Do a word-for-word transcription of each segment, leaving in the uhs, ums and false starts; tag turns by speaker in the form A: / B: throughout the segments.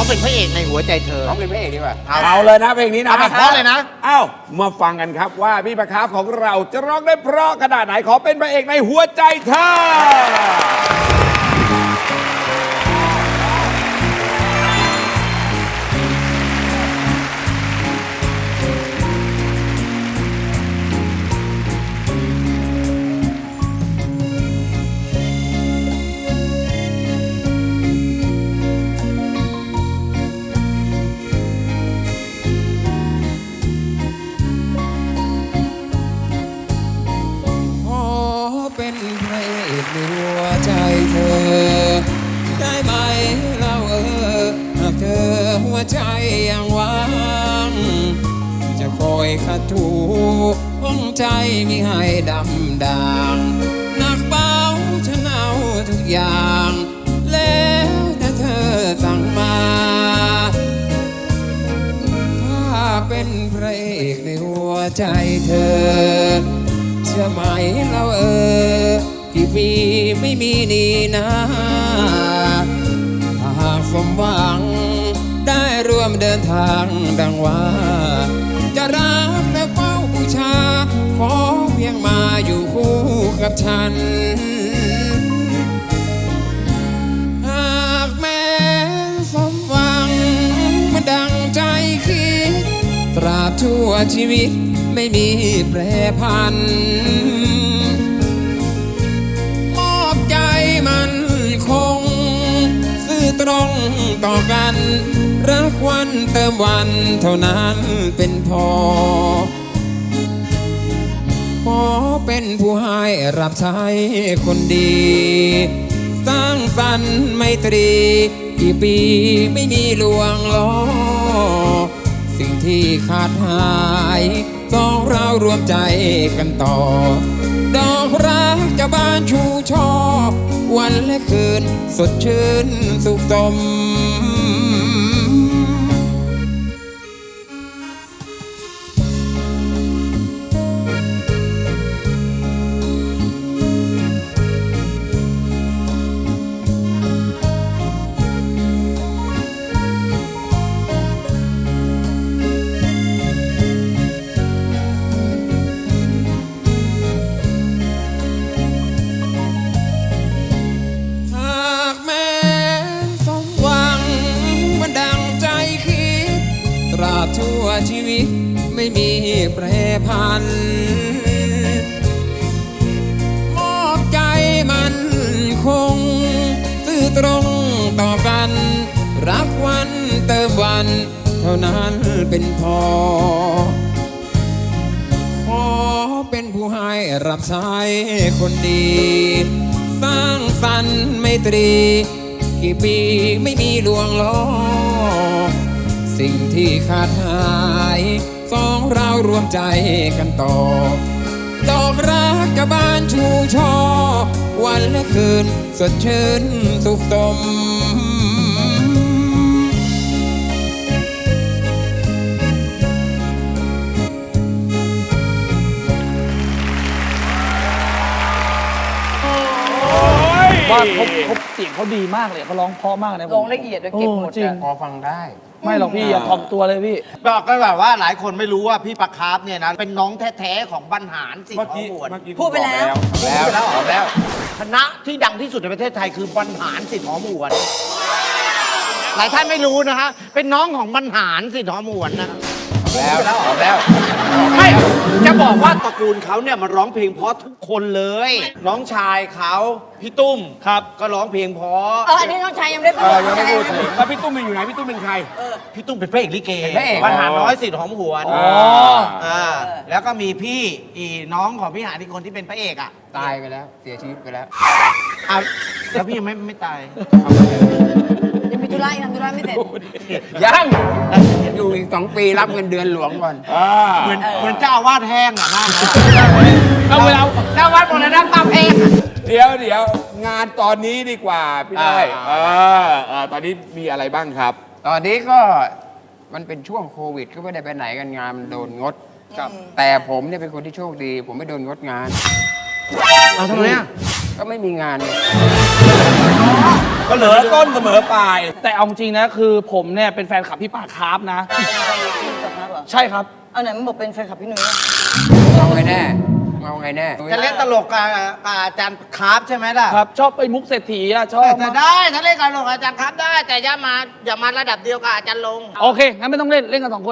A: องเป็นพระเอกในหัวใจเธอ
B: ร้องเป็นพระเอกดีกว่า
C: เอาเลยนะเพลงนี้นะ
A: เอาเพราะเลยนะ
C: เอ้ามาฟังกันครับว่าพี่ประคับของเราจะร้องได้เพราะขนาดไหนขอเป็นพระเอกในหัวใจเธอ
B: เป็นพระเอกในหัวใจเธอได้ไหมเราเออหากเธอหัวใจยังว่างจะคอยขัดถูห้องใจมิให้ดำด่างหนักเบาฉันเอาทุกอย่างแล้วแต่เธอสั่งมาถ้าเป็นพระเอกในหัวใจเธอเชื่อไหมเราเออกี่ปีไม่มีนี่นะถ้าหากสมหวังได้ร่วมเดินทางดังว่าจะรักและเฝ้าบูชาขอเพียงมาอยู่คู่กับฉันหากแม้สมหวังมันดังใจคิดตราบชั่วชีวิตไม่มีแปรผันมอบใจมันคงซื่อตรงต่อกันรักวันเติมวันเท่านั้นเป็นพอขอเป็นผู้ให้รับใช้คนดีสร้างสรรค์ไมตรีกี่ปีไม่มีลวงล้อสิ่งที่ขาดหายสองเรารวมใจกันต่อดอกรักจะบานชูช่อวันและคืนสดชื่นสุขสมชั่วชีวิตไม่มีแปรผันมอบใจมันคงซื่อตรงต่อกันรักวันเติมวันเท่านั้นเป็นพอขอเป็นผู้ให้รับใช้คนดีสร้างสรรค์ไมตรีกี่ปีไม่มีลวงล้อสิ่งที่ขาดหายสองเรารวมใจกันต่อดอกรักจะบานชูช่อวันและคืนสดชื่นสุขสม
D: ว่าเขาเขาเสียงเขาดีมากเลยเขาร้องเพราะมากนะ
E: ร้องละเอียดด้วยเก็บหมด
D: จริง
B: พอฟังได้
D: ไม่หรอกพี่อย่าถ่อมตัวเลยพี่
A: บอกก็แบบว่าหลายคนไม่รู้ว่าพี่ประคับเนี่ยนะเป็นน้องแท้ๆของบรรหารสิทธิ์หอมหวน
E: พูดไปแล้ว
A: แล้วแล้วแล้วคณะที่ดังที่สุดในประเทศไทยคือบรรหารสิทธิ์หอมหวนหลายท่านไม่รู้นะฮะเป็นน้องของบรรหารสิทธิ์หอมหวนนะ
B: แล้วแล้วแล้ว
A: ไม่จะบอกว่าตระกูลเขาเนี่ยมันร้องเพลงเพราะทุกคนเลยน้องชายเขาพี่ตุ้มครับก็ร้องเพลงเพราะ
E: เอออันนี้น้องชายยังไม่ได้พูด
C: ยังไม่พูดแล้วพี่ตุ้มเป็นอยู่ไหนพี่ตุ้มเป็นใคร
A: พี่ตุ้มเป็นพระเอกลิเกบรรหารน้อยสิทธิ์หอมหวนอ๋อแล้วก็มีพี่อีน้องของพี่หาที่คนที่เป็นพระเอกอ่ะ
B: ตายไปแล้วเสียชีวิตไปแล้ว
A: อ้าวแล้วพี่ยังไม่ไม่ตาย
E: ยังมีธุระทำธุระไม่เสร็จ
B: ยังอยู่อีกสองปีรับเงินเดือนหลวงก่อน
A: เหมือนเหมือนเจ้าอาวาสแห้งอ่ะนะ
C: เอาเวลา
A: เจ้าอาวาสหมดแล้วนะป้าแห้ง
C: เดี๋ยวเดี๋ยวงานตอนนี้ดีกว่าพี่ได้เออตอนนี้มีอะไรบ้างครับ
B: ตอนนี้ก็มันเป็นช่วงโควิดก็ไม่ได้ไปไหนกันงานมันโดนงดแต่ผมเนี่ยเป็นคนที่โชคดีผมไม่โดนงดงาน
A: เอาทำไมอ่ะ
B: ก็ไม่มีงาน
C: เสมอต้นเสมอปลาย
D: แต่เอาจริงนะคือผมเนี่ยเป็นแฟนคลับพี่ปากคาร์ฟนะ ใช่ครับ
E: เอาไหนมันบอกเป็นแฟนคลับพี่หนุ่ยอะ
B: เอาไงแน่เอาไงแน่
A: จะเล่นตลกกับกับอาจารย์คราฟใช่ไหมล่ะ
D: ครับ ชอบไปมุกเศรษฐีอะชอบ
A: แต่ได้ถ้าเล่นกับตลกกับอาจารย์คราฟได้ แต่อย่ามาอย่ามาระดับเดียวกับอาจารย์ลง
D: โอเค งั้นไม่ต้องเล่น เล่นกันสองคน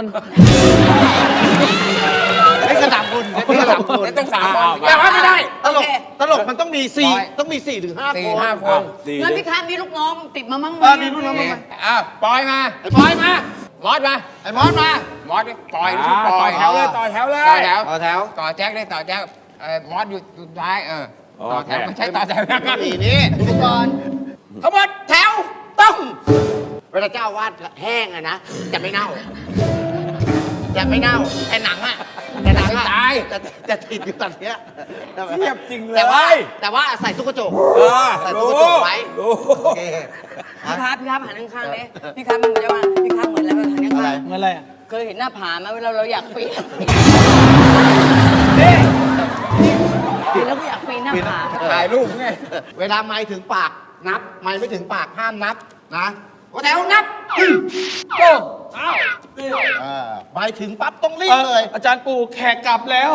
A: เล่นกันสามคนเล่นกันสามคน
B: ต้องสามคน
C: แต่ว่าไม่ได้
A: ตลกตลกมันต้องมีสี่ต้องมีสี่ถึงห้า
B: สี่
A: คน
B: ห้าคน
E: งั้นพี่ค้ามีลูกน้องติดมามั้งไหม
A: เออมีลูกน้องมั้งไหม
B: อ้าวปอยมา
A: ไอ้บอยมา
B: มอสมา
A: ไอ้มอสมา
B: มอสดิปอยหรือ
C: อ่า
B: ป
C: ต่
B: อ
C: อย แถวเลยต่อแถวเลย
B: ต่อแถว
A: ต่อแถว
B: ต่อแจ็คได้ต่อแจ็คเอ่อมอสอยู่สุดท้ายเออต่อแถว
C: โอเค
B: ไม่ใช่ต่อแถวนะ
A: นี่นี่
E: อุปกรณ์
A: ทั้งหมดแถวต้องเวลาเจ้าอาวาดแห้งอะนะจะไม่เน่าจะไม่เน่าแต่หนังอะแต่หนังอะตายจะจะติดอยู่ตอนเนี้ย
C: เทียบจริงเลย
A: แต่ว่าแต่ว่าใส่ตุ๊กกระจก
C: เออ
A: ใส่ตุ๊
C: รู้
A: กกระจกไว้
C: รู้
A: โอเค
E: พี่ค้าพี่ค้าหันข้างๆเลยพี่ค้ามันจะว่าพี่ค้าเหมือนอะไรหันข้าง
D: เหมือนอะไรอะ
E: ๆเคยเห็นหน้าผาไหมเวลาเราอยากปีนปีนแล้วก็อยากปีนหน้าผา
C: ถ่ายรูปไง
A: เวลาไม้ถึงปากนับ ไม้ไม่ถึงปากห้ามนับนะว่าแถวนับโก้เออไม้ถึงปั๊บต้องรีบเลย
D: อาจารย์ปู่แขกกลับแล้ว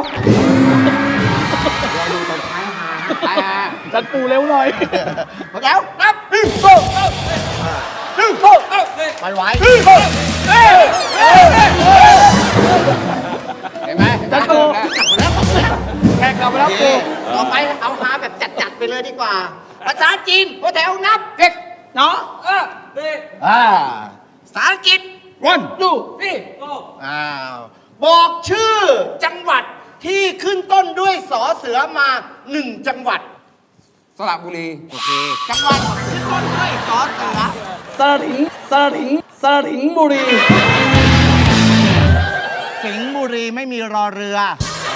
B: ตายฮะ
D: อาจารย์ปู่เร็วหน่อย
A: ว่าแถวนับโก้โก้ไปไว้
B: เห็นไหม
D: อาจารย์ปู่ แขกกลับมาแล้วปู่
A: ต่อไปเอาหาแบบจัดๆไปเลยดีกว่า ภาษาจีนว่าแถวนับ
B: เด็ก
D: เนาะ
A: อ่าภาษาอังกฤษ
C: วัน
D: ดูนี่
A: อ้าวบอกชื่อจังหวัดที่ขึ้นต้นด้วยสอเสือมาหนึ่งจังหวัด
B: สระบุรี
A: โอเคจังหวัดขึ้นต้นด้วยสอเสือ
D: สระถิงสระถิงสระถิงบุรี
A: สิงห์บุรีไม่มีรอเรือ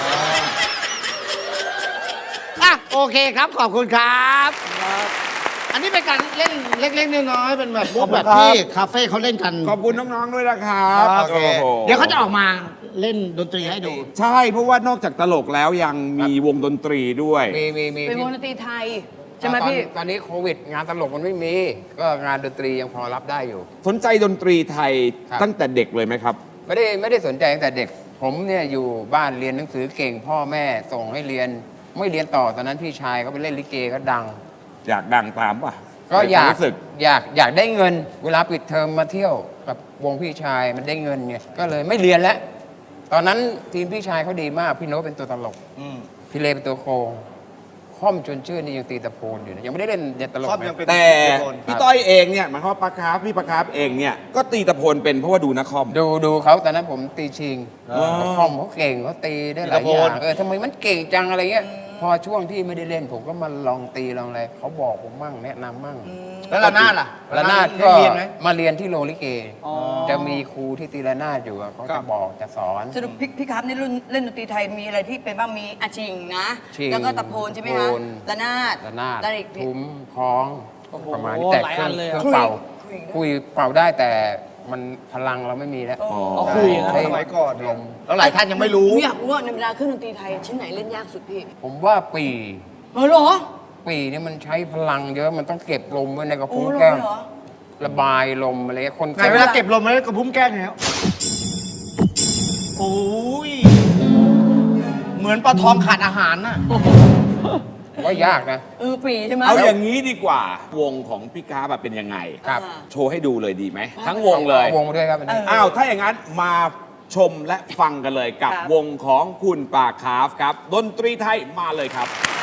A: อ่ะโอเคครับขอบคุณครับ อันนี้เป็นการเล่นเล็กๆน้อยๆเป็นแบบมุกแบบที่คาเฟ่เขาเล่นกัน
C: ขอบคุณน้องๆด้วยนะครับ
A: โอเค
C: โอ้โห
A: เดี๋ยวเขาจะออกมาเล่นดนตรีให้ดู
C: ใช่เพราะว่านอกจากตลกแล้วยังมีวงดนตรีด้วย
B: มีมีมี
E: เป็นวงดนตรีไทยใช่ไหม
B: ตอน
E: พี่
B: ตอนนี้โควิด งานตลกมันไม่มี ก็งานดนตรียังพอรับได้อยู่
C: สนใจดนตรีไทย
B: ครับ
C: ตั้งแต่เด็กเลยไหมครับ
B: ไม่ได้ไม่ได้สนใจตั้งแต่เด็ก ผมเนี่ยอยู่บ้านเรียนหนังสือเก่ง พ่อแม่ส่งให้เรียน ไม่เรียนต่อตอนนั้นพี่ชายเขาไปเล่นลิเกก็ดัง
C: อยากดังตามป่ะ
B: ก็อยาก
C: ในควมรู้สึก
B: อยากอยากได้เงิน เวลาปิดเทอมมาเที่ยวกับวงพี่ชายมันได้เงินไงก็เลยไม่เรียนแล้ว ตอนนั้นทีมพี่ชายเขาดีมาก พี่โน้ตเป็นตัวตลกพี่เลเป็นตัวโครงค่อมจนชื่อนี่ยังตีตะโพนอยู่นะยังไม่ได้เล่นเด็ดตลก
A: ค่อม
B: นะ
A: ยังเป็น
C: แต่พี่ต้อยเองเนี่ยหมายความว่าปลาคาร์ฟพี่ปลาคาร์ฟเองเนี่ยก็ตีตะโพนเป็นเพราะว่าดูนักคอม
B: ดูดูเขาตอนนั้นผมตีชิง
C: อ๋อ
B: คอมเขาเก่งเขาตีได้หลายอย่างเออทำไมมันเก่งจังอะไรเงี้ยพอช่วงที่ไม่ได้เล่น ผมก็มาลองตีลองอะไรเขาบอกผมมั่งแนะนำมั่ง
A: แล้วระนาดล่ะ
B: ระนาด
A: ได้
B: ก็
A: เรียนไหม
B: มาเรียนที่โรงลิเก
D: อ๋อ
B: จะมีครูที่ตีระนาดอยู่อะเขา
D: ครั
B: จะ
D: บ
B: บอกจะสอน
E: สรุปพี่พี่ครับนี่รุ่นเล่นดนตรีไทยมีอะไรที่เป็นบ้างมีอาชิงนะ
B: ชิง
E: แล้วก็ตะโพนใช่ไหมคะ
B: โพน
E: ระนาด
B: ระนาด
E: แล้วอีกพี่
B: ทุ้มคล้อง
D: โอ้โห
B: ประมาณนี้แต่
D: หลาย
B: เครื่
D: อั
B: อง
D: นเลย
B: เค
D: อะ
B: รื่องเป่า
E: คุย
B: คุยเป่าได้แต่มันพลังเราไม่มีแล้ว
D: เอาคุยนะ
B: ใช้
A: สมัยก่อน
B: ลม
A: แล้วหลายท่านยังไม่รู้
E: หนูอยากรู้ว่าในเวลาเครื่องดนตรีไทยชิ้นไหนเล่นยากสุดพี่
B: ผมว่าปี
E: เออเหรอ
B: ปีเนี่ยมันใช้พลังเยอะมันต้องเก็บลมไว้ในกระ
E: โอ้
B: พุ้ง
E: เหรอ
B: แก้ม
E: เหรอ
B: ระบายลมอะไรเงี้ยคน
A: ไหนเวลาเก็บลมแล้วกระพุ้มแก้มเนี่ยโอ้ย เหมือนปลาทองขาดอาหารน่ะ
B: ว่ายากนะ
E: เออปีใช่ไหม
C: เอาอย่างนี้ดีกว่า วงของพี่กาแบบเป็นยังไง
B: ครับ
E: อ่า
C: โชว์ให้ดูเลยดีไหม ทั้งวงเลย
B: อาวงมาด้วยครับอันนี้
C: อ้าว ถ้าอย่างนั้นมาชมและฟังกันเลยกับ
E: ครับ
C: วงของคุณป่าคาร์ฟครับ ดนตรีไทยมาเลยครับ
E: ค